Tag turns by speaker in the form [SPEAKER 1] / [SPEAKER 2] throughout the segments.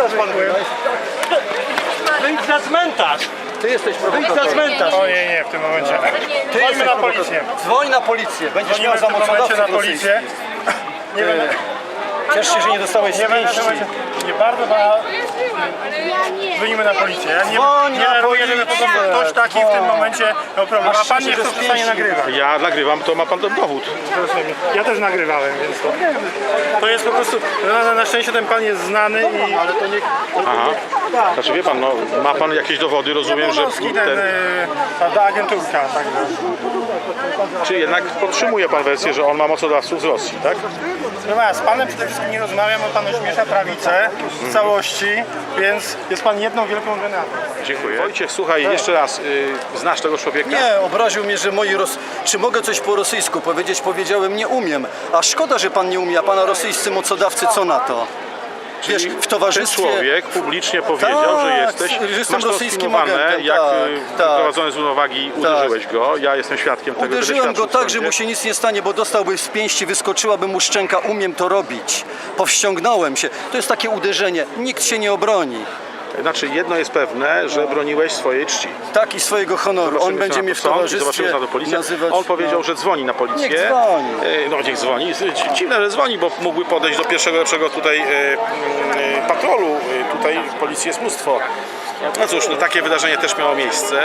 [SPEAKER 1] zaraz pan wyjdź na cmentarz!
[SPEAKER 2] Ty jesteś
[SPEAKER 1] Wyjdź na
[SPEAKER 2] prowokatorem.
[SPEAKER 1] cmentarz!
[SPEAKER 3] O nie, w tym momencie.
[SPEAKER 2] Ty
[SPEAKER 3] Dzwońmy na
[SPEAKER 2] jesteś
[SPEAKER 3] policję.
[SPEAKER 2] Dzwoń na policję. Będziesz
[SPEAKER 3] Dzwonimy
[SPEAKER 2] miał
[SPEAKER 3] w tym momencie
[SPEAKER 2] zamocodawcę
[SPEAKER 3] na policję. Nie będę...
[SPEAKER 2] Ciesz się, że nie dostałeś
[SPEAKER 3] Nie będę...
[SPEAKER 2] pięści.
[SPEAKER 3] Nie bardzo, bo
[SPEAKER 4] Ja nie.
[SPEAKER 3] dzwonimy na policję. Ja
[SPEAKER 2] Dzwoń
[SPEAKER 3] nie
[SPEAKER 2] na
[SPEAKER 3] daruję, żeby po prostu
[SPEAKER 2] policję.
[SPEAKER 3] ktoś taki w tym momencie miał problem. A pan nie chce przestanie nagrywać.
[SPEAKER 1] Ja nagrywam, to ma pan ten dowód.
[SPEAKER 3] Ja też nagrywałem, więc to jest po prostu... Na szczęście ten pan jest znany i... Ale to nie...
[SPEAKER 1] Aha. Znaczy wie pan, no, ma pan jakieś dowody, rozumiem, że
[SPEAKER 3] Jablonowski,
[SPEAKER 1] ten,
[SPEAKER 3] ta agenturka, także...
[SPEAKER 1] czy jednak podtrzymuje pan wersję, że on ma mocodawców z Rosji, tak?
[SPEAKER 3] No z panem przede wszystkim nie rozmawiam, bo pan ośmiesza prawicę w całości, więc jest pan jedną wielką genetą.
[SPEAKER 1] Dziękuję. Wojciech, słuchaj, jeszcze raz, znasz tego człowieka?
[SPEAKER 2] Nie, obraził mnie, że czy mogę coś po rosyjsku powiedzieć? Powiedziałem, nie umiem. A szkoda, że pan nie umie, a pana rosyjscy mocodawcy co na to? Wiesz, w
[SPEAKER 1] Ten
[SPEAKER 2] towarzystwie...
[SPEAKER 1] człowiek publicznie powiedział, że jesteś,
[SPEAKER 2] że jestem
[SPEAKER 1] masz to
[SPEAKER 2] rosyjskim
[SPEAKER 1] sfilmowane,
[SPEAKER 2] agentem,
[SPEAKER 1] jak
[SPEAKER 2] tak.
[SPEAKER 1] wyprowadzony z równowagi uderzyłeś go. Ja jestem świadkiem tego.
[SPEAKER 2] Uderzyłem
[SPEAKER 1] będę
[SPEAKER 2] go
[SPEAKER 1] świadczył w
[SPEAKER 2] tak, że
[SPEAKER 1] sądzie.
[SPEAKER 2] mu się nic nie stanie, bo dostałby z pięści, wyskoczyłaby mu szczęka, umiem to robić. Powściągnąłem się. To jest takie uderzenie, nikt się nie obroni.
[SPEAKER 1] Znaczy, jedno jest pewne, że broniłeś swojej czci.
[SPEAKER 2] Tak, i swojego honoru. On
[SPEAKER 1] Zobaczymy,
[SPEAKER 2] będzie
[SPEAKER 1] co
[SPEAKER 2] mnie
[SPEAKER 1] na
[SPEAKER 2] w
[SPEAKER 1] to sąd i
[SPEAKER 2] towarzystwie
[SPEAKER 1] zobaczymy, co na to policja.
[SPEAKER 2] nazywać...
[SPEAKER 1] On powiedział,
[SPEAKER 2] no.
[SPEAKER 1] że dzwoni na policję.
[SPEAKER 2] Niech dzwoni.
[SPEAKER 1] No niech dzwoni. Dziwne, że dzwoni, bo mógłby podejść do pierwszego lepszego tutaj patrolu. Tutaj policji jest mnóstwo. No cóż, no takie wydarzenie też miało miejsce.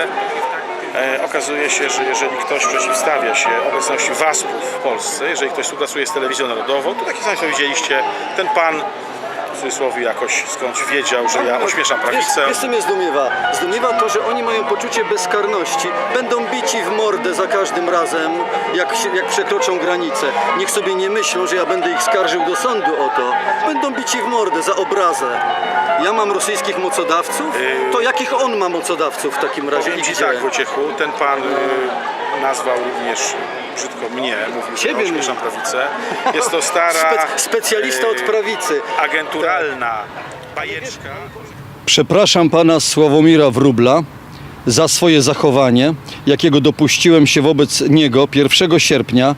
[SPEAKER 1] Okazuje się, że jeżeli ktoś przeciwstawia się obecności WASP-ów w Polsce, jeżeli ktoś współpracuje z telewizją narodową, to taki sam jak widzieliście, ten pan w cudzysłowie jakoś skądś wiedział, że ja ośmieszam prawicę.
[SPEAKER 2] Wiesz, co mnie zdumiewa? Zdumiewa to, że oni mają poczucie bezkarności. Będą bici w mordę za każdym razem, jak przekroczą granicę. Niech sobie nie myślą, że ja będę ich skarżył do sądu o to. Będą bici w mordę za obrazę. Ja mam rosyjskich mocodawców? To jakich on ma mocodawców w takim razie?
[SPEAKER 1] Powiem ci
[SPEAKER 2] Gdzie?
[SPEAKER 1] tak, Wojciechu, ten pan nazwał również brzydko mnie, mówił, że
[SPEAKER 2] Ciebie
[SPEAKER 1] ośmieszam prawicę. Jest to stara,
[SPEAKER 2] Specjalista od prawicy.
[SPEAKER 1] agenturalna bajeczka.
[SPEAKER 2] Przepraszam pana Sławomira Wróbla za swoje zachowanie, jakiego dopuściłem się wobec niego 1 sierpnia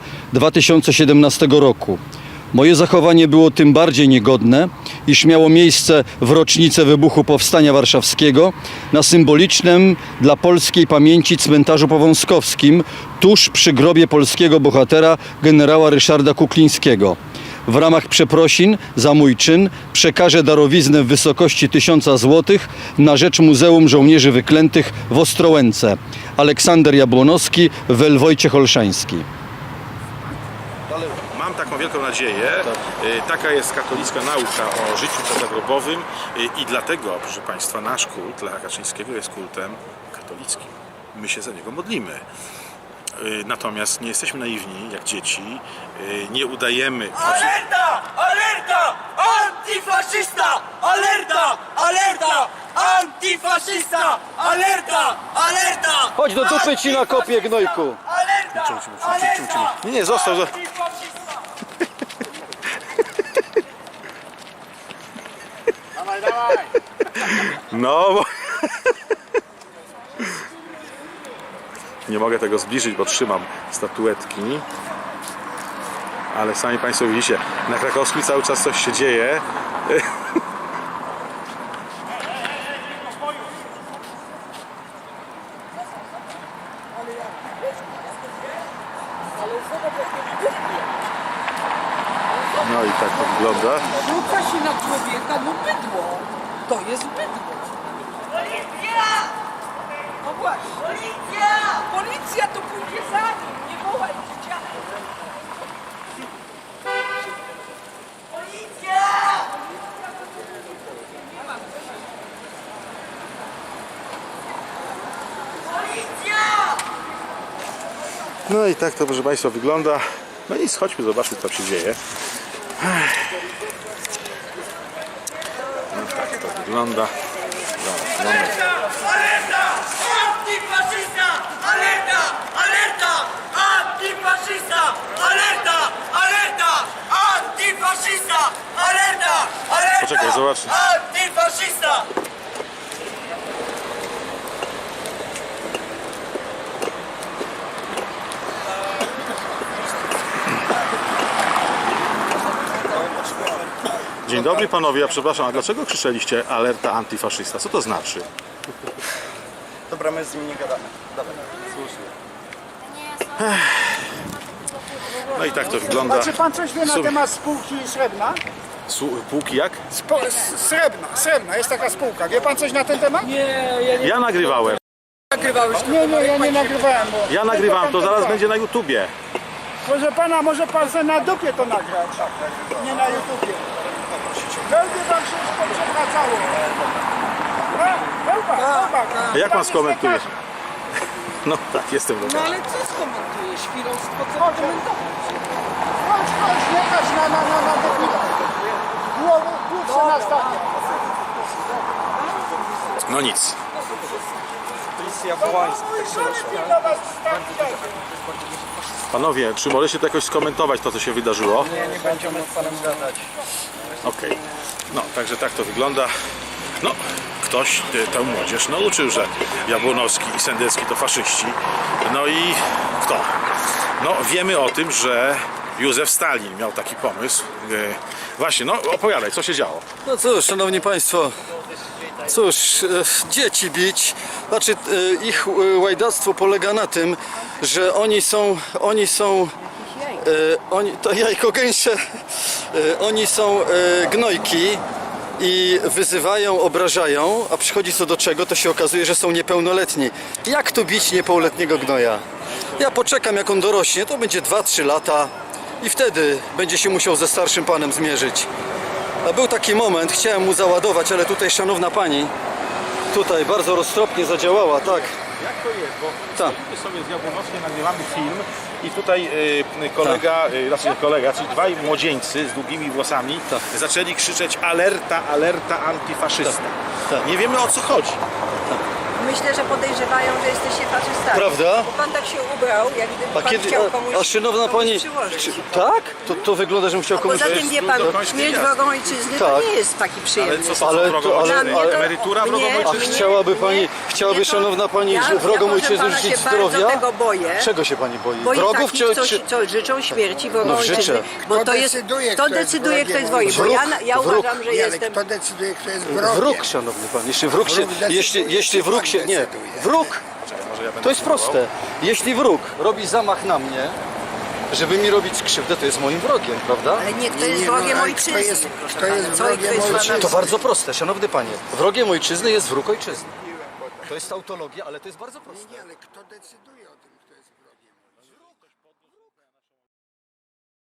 [SPEAKER 2] 2017 roku. Moje zachowanie było tym bardziej niegodne, iż miało miejsce w rocznicę wybuchu Powstania Warszawskiego na symbolicznym dla polskiej pamięci cmentarzu powązkowskim tuż przy grobie polskiego bohatera generała Ryszarda Kuklińskiego. W ramach przeprosin za mój czyn przekażę darowiznę w wysokości 1000 zł na rzecz Muzeum Żołnierzy Wyklętych w Ostrołęce. Aleksander Jabłonowski, Wojciech Olszański.
[SPEAKER 1] Mam taką wielką nadzieję, taka jest katolicka nauka o życiu pozagrobowym i dlatego, proszę Państwa, nasz kult Lecha Kaczyńskiego jest kultem katolickim. My się za niego modlimy. Natomiast nie jesteśmy naiwni, jak dzieci, nie udajemy...
[SPEAKER 5] Alerta! Alerta! Antifaszysta! Alerta! Alerta! Antifaszysta! Alerta! Alerta!
[SPEAKER 2] Chodź do dupy ci na kopie, gnojku!
[SPEAKER 5] Alerta! Alerta!
[SPEAKER 1] Nie, został...
[SPEAKER 5] Antifaszysta!
[SPEAKER 1] No, bo... Nie mogę tego zbliżyć, bo trzymam statuetki. Ale sami Państwo widzicie, na Krakowskim cały czas coś się dzieje. No i tak to wygląda.
[SPEAKER 6] Rzuca się na człowieka, no bydło. To jest bydło.
[SPEAKER 5] Policja!
[SPEAKER 6] No właśnie.
[SPEAKER 5] Policja!
[SPEAKER 6] Policja to pójdzie za nim. Nie wołaj dzieciaka.
[SPEAKER 5] Policja! Policja!
[SPEAKER 1] No i tak to, proszę Państwa, wygląda. No nic, chodźmy, zobaczmy, co się dzieje. No tak to wygląda.
[SPEAKER 5] Alerta! Alerta! Antifaszysta! Alerta! Alerta! Antifaszysta! Alerta! Alerta! Antifaszysta! Alerta! Alerta!
[SPEAKER 1] Poczekaj, zobacz.
[SPEAKER 5] Antifaszysta!
[SPEAKER 1] Dzień dobry panowie, ja przepraszam, a dlaczego krzyczeliście alerta antyfaszysta? Co to znaczy?
[SPEAKER 3] Dobra, my z nimi nie gadamy.
[SPEAKER 1] No i tak to wygląda.
[SPEAKER 7] A czy pan coś wie na
[SPEAKER 1] Sum-
[SPEAKER 7] temat spółki Srebrna?
[SPEAKER 1] Półki jak?
[SPEAKER 7] Srebrna, jest taka spółka. Wie pan coś na ten temat?
[SPEAKER 1] Ja nagrywałem.
[SPEAKER 7] Nie, ja nie nagrywałem. Bo
[SPEAKER 1] Ja nagrywam, to zaraz będzie na YouTubie.
[SPEAKER 7] Proszę pana, może pan sobie na dupie to nagrać. Nie na YouTubie. Będzie wam się już poprzewracało.
[SPEAKER 1] A jak pan skomentuje? No tak, jestem
[SPEAKER 6] No
[SPEAKER 1] dobry.
[SPEAKER 6] ale co skomentujesz? Świrostwo, co komentować?
[SPEAKER 7] Chodź, nie patrz na debila. Głów się nastawia.
[SPEAKER 1] No nic. Panowie, czy możecie to jakoś skomentować to, co się wydarzyło?
[SPEAKER 3] Nie będziemy z panem gadać.
[SPEAKER 1] Okej. No, także tak to wygląda. No, ktoś tę młodzież nauczył, że Jabłonowski i Sendecki to faszyści. No i kto? No, wiemy o tym, że Józef Stalin miał taki pomysł. Właśnie, no opowiadaj, co się działo.
[SPEAKER 2] No cóż, szanowni państwo, dzieci bić, znaczy ich łajdactwo polega na tym, że to jajko gęsie, oni są gnojki i wyzywają, obrażają, a przychodzi co do czego, to się okazuje, że są niepełnoletni. Jak tu bić niepełnoletniego gnoja? Ja poczekam, jak on dorośnie, to będzie 2-3 lata i wtedy będzie się musiał ze starszym panem zmierzyć. A był taki moment, chciałem mu załadować, ale tutaj szanowna pani tutaj bardzo roztropnie zadziałała, tak.
[SPEAKER 1] Jak to jest? Bo
[SPEAKER 2] Tak.
[SPEAKER 1] stoimy sobie z Jabłonowskim, nagrywamy film i tutaj kolega, czyli dwaj młodzieńcy z długimi włosami zaczęli krzyczeć alerta, alerta antyfaszysta.
[SPEAKER 2] Tak.
[SPEAKER 1] Nie wiemy o co chodzi.
[SPEAKER 8] Myślę, że podejrzewają, że jesteście faszystami.
[SPEAKER 2] Prawda?
[SPEAKER 8] Bo pan tak się ubrał, jak gdyby
[SPEAKER 2] A
[SPEAKER 8] pan
[SPEAKER 2] kiedy,
[SPEAKER 8] chciał komuś,
[SPEAKER 2] a szanowna
[SPEAKER 8] komuś
[SPEAKER 2] pani,
[SPEAKER 8] przyłożyć.
[SPEAKER 2] tak? To wygląda, żebym chciał komuś...
[SPEAKER 8] Poza tym wie pan,
[SPEAKER 1] do końca
[SPEAKER 8] śmierć
[SPEAKER 1] jasne.
[SPEAKER 8] wrogą ojczyzny
[SPEAKER 2] Tak.
[SPEAKER 8] to nie jest taki przyjemny.
[SPEAKER 1] Ale co
[SPEAKER 2] Ale
[SPEAKER 1] są
[SPEAKER 2] to-
[SPEAKER 1] wrogą
[SPEAKER 2] ale-
[SPEAKER 1] ojczyzny?
[SPEAKER 2] ale-
[SPEAKER 1] Emerytura
[SPEAKER 8] mnie-
[SPEAKER 1] wrogą
[SPEAKER 2] A
[SPEAKER 1] ojczyzny?
[SPEAKER 2] chciałaby pani, chciałaby
[SPEAKER 8] Mnie to-
[SPEAKER 2] szanowna pani
[SPEAKER 8] ja
[SPEAKER 2] wrogom
[SPEAKER 8] proszę
[SPEAKER 2] ojczyzny
[SPEAKER 8] pana
[SPEAKER 2] życzyć
[SPEAKER 8] się
[SPEAKER 2] zdrowia?
[SPEAKER 8] bardzo tego boję.
[SPEAKER 2] Czego się pani boi?
[SPEAKER 8] Boję
[SPEAKER 2] Wrogów
[SPEAKER 8] takich,
[SPEAKER 2] czy...
[SPEAKER 8] co życzą śmierci wrogom
[SPEAKER 2] No, życzę.
[SPEAKER 8] ojczyzny. Bo to jest,
[SPEAKER 7] decyduje,
[SPEAKER 8] to
[SPEAKER 7] kto jest
[SPEAKER 8] decyduje, kto jest
[SPEAKER 7] wrogiem
[SPEAKER 8] wojny. Bo ja
[SPEAKER 2] Wróg.
[SPEAKER 8] uważam, że jestem...
[SPEAKER 7] Kto decyduje, kto jest wrogiem?
[SPEAKER 2] Wróg, szanowny pan, jeśli wróg się... Jeśli wróg się... Nie, wróg... To jest proste. Jeśli wróg robi zamach na mnie, żeby mi robić krzywdę, to jest moim wrogiem, prawda?
[SPEAKER 8] Ale nie, kto jest wrogiem ojczyzny.
[SPEAKER 7] Kto jest
[SPEAKER 8] Co,
[SPEAKER 7] wrogiem
[SPEAKER 8] kto jest
[SPEAKER 7] ojczyzny?
[SPEAKER 2] To bardzo proste, szanowny panie. Wrogiem ojczyzny jest wróg ojczyzny. To jest tautologia, ale to jest bardzo proste.
[SPEAKER 7] Ale kto decyduje?